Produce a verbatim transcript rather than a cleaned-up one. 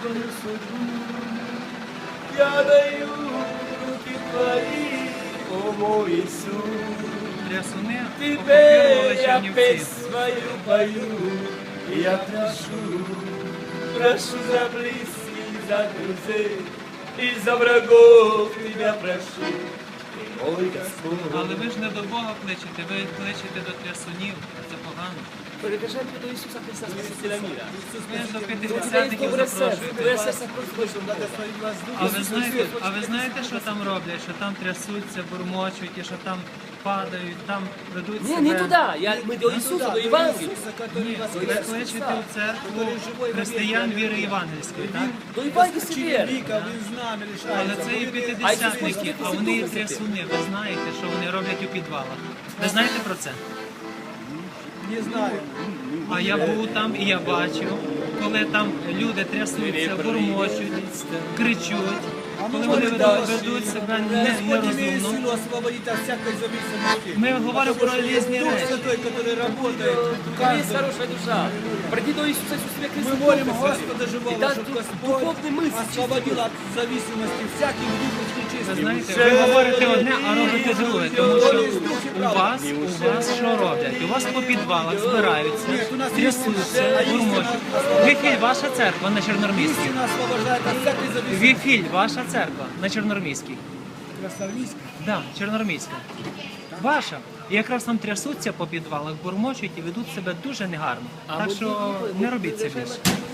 тяжкую судьбу. Я даю в руки твои, о мой Иисус. Трясуни Тебе окупували я Чернівці. песнь свою пою, и я прошу, прошу за близких, за друзей, и за врагов тебя прошу, ты мой Господь. Але ви ж не до Бога кличете, ви кличете до трясунів. Це погано. Перекажайте до Ісуса Христа, Спасителя мира. Ви ж до У тебя есть п'ятидесятників доброе сердце, твое запрошуєте. сердце просто больше Бога. А ви знаєте, а ви знаєте, що там роблять? Що там трясуться, бурмочуть, і що там падають, там ведуть Не, себе. не туда, я, мы до Иисуса, до Евангелия. Ні, ви кличете в церкву християн віри євангельської, так? До Евангелия веры. Але це і п'ятидесятники, а вони і трясуни. Ви знаєте, що вони роблять у підвалах. Ви знаєте про це? Не знаю. А я був там і я бачив, коли там люди трясуться, бурмочуть, кричуть, коли вони ведуть, ведуть себе не- Господь имеет нерозумно. силу освободить от всякой зависимости. Ми говоримо про різні Дух речі. Святой, который работает в У тебя есть каждом. хорошая душа. Приди до Иисуса Иисуса Христа. Мы молим Духа Господа Святого. живого, И даст чтобы дух- Господь духовный мысль. освободил от зависимости всяких духов Ви нечистых. знаєте, ви говорите одне, а робите друге, тому що у вас, у вас що роблять? У вас по підвалах збираються, трясуться, бурмочуть. Віфіль, ваша церква на Чорнормійській. Истина освобождает от всякой зависимости. Віфіль, ваша церква на Чорнормійській. Красавицкий. Да, Чорнормійська. Ваша. І якраз там трясуться по підвалах, бурмочуть і ведуть себе дуже негарно. Так що не робіть це більше.